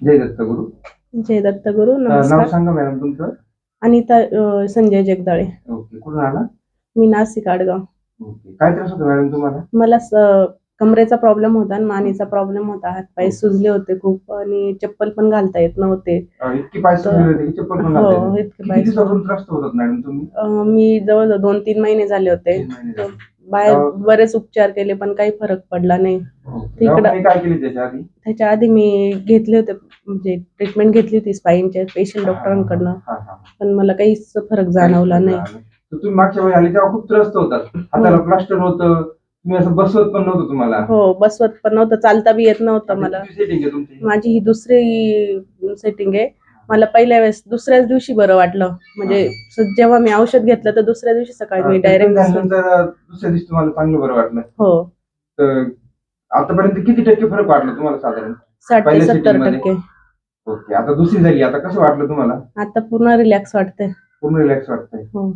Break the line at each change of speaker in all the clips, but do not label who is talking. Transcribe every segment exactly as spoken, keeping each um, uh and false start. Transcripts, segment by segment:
जय दत्तगुरु.
जय दत्तगुरु.
अ, नाव
नमस्कार.
सांगा मॅडम तुमचं.
अनिता अ, संजय जगदाळे.
ओके. कुठून आला?
मी नाशिक आडगाव.
ओके. काय त्रास होता मॅडम तुम्हाला?
मला स- कमरेचा प्रॉब्लेम होता आणि मानेचा प्रॉब्लेम होता. हातपाय सुजले होते खूप आणि चप्पल पण घालता येत नव्हते.
अ, इतकी पाय सुजले होते की चप्पल पण घालता येत
हो,
नाही.
इतके
किती
पाय
दिवसापासून त्रास होतात मॅडम तुम्ही?
अ, मी जवळजवळ दोन तीन महिने झाले होते.
तीन महिने झाले.
बाहेर
दवा-
बरेच उपचार केले पण काही फरक पडला नाही.
ओके.
तिकडं-
दवाखाने काय केले त्याच्या आधी?
त्याच्या आधी मी घेतले होते, म्हणजे ट्रीटमेंट घेतली होती स्पाईनच्या पेशंट डॉक्टरांकडनं,
हा, हा, हा.
पण मला काहीच फरक जाणवला नाही.
तर तुम्ही मागच्या वेळी आले तेव्हा खूप त्रस्त होतात. हाताला प्लास्टर होतं, तुम्ही असं बसवत पण नव्हतं तुम्हाला.
हो, बसवत पण नव्हतं, चालता बी येत नव्हतं मला.
सेटिंग आहे तुमची?
माझी ही दुसरी सेटिंग आहे. मला पहिल्या वेळेस दुसऱ्याच दिवशी बरं वाटलं, म्हणजे स- जेव्हा मी औषध घेतलं तर दुसऱ्या दिवशी सकाळी मी डायरेक्ट
झाल्यानंतर दुसऱ्या दिवशी तुम्हाला चांगलं बरं वाटलं.
हो.
तर आतापर्यंत किती टक्के फरक वाटला तुम्हाला साधारण?
साठ ते
पहिल्या
सत्तर
setting मध्ये?
टक्के.
ओके. आता दुसरी झाली, आता कसं वाटलं तुम्हाला?
आता पूर्ण रिलॅक्स वाटतंय.
पूर्ण रिलॅक्स वाटतंय.
हो.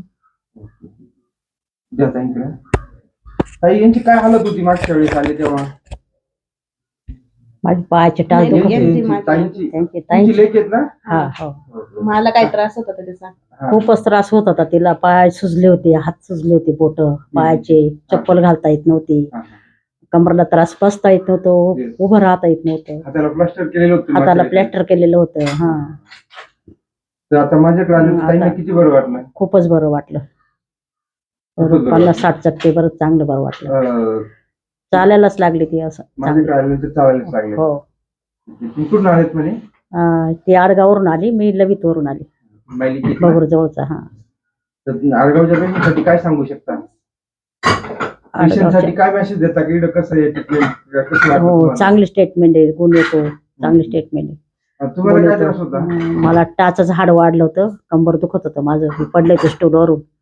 द्या ताईंकडे. ताई, यांची काय हालत होती मागच्या वेळेस आले तेव्हा?
माझी पायाचे टाळ
नाही,
दुखत
नाही,
होते.
यांची माझी-
ताईंची
त्यांची
तुमची
ताईंची
लेक आहेत ना?
हा हो
मला काय त्रास होता का त्याचा?
हा.
खूपच त्रास होत होता तिला. पाय सुजले होते, हात सुजले होते, बोट पायाचे, चप्पल घालता येत नव्हती,
हा.
कमरला त्रास, बसता येत नव्हतं,
Yes.
उभं राहता येत नव्हतं,
हाताला प्लास्टर केलेलं होतं
हाताला
मागच्या वेळेस.
प्लॅस्टर केलेलं होतं. हा
तर आता माझ्याकडे आले
हं,
तर ताईंना
आता-
किती बरं वाटलं?
खूपच बरं वाटलं.
खूपच बरं
पन्नास साठ टक्के बरं चांगलं बरं वाटलं.
अं,
चालायलाच लागली ती असं
माझ्याकडे
चांगलं.
आल्यानंतर चालायलाच लागले.
हो.
तुम्ही कुठून आलेत म्हणे?
अं, ती आडगावरून आली, मी लवित वरून आली,
माहिती किती?
बगूर जवळचा. हा
तर आडगावच्या पेशंटसाठी काय सांगू शकता? पेशंटसाठी काय मेसेज देता की इकडं कसं आहे ट्रीटमेंट कसं वाटतं
हो,
तुम्हाला?
चांगली स्टेटमेंट आहे, गुण येतो, चांगली स्टेटमेंट आहे.
अं, तुम्हाला काय
बोलतो.
त्रास होता?
हं, मला टाचाचं हाड वाढलं होतं, कंबर दुखत होतं माझं, मी पडले होते स्टूलवरून.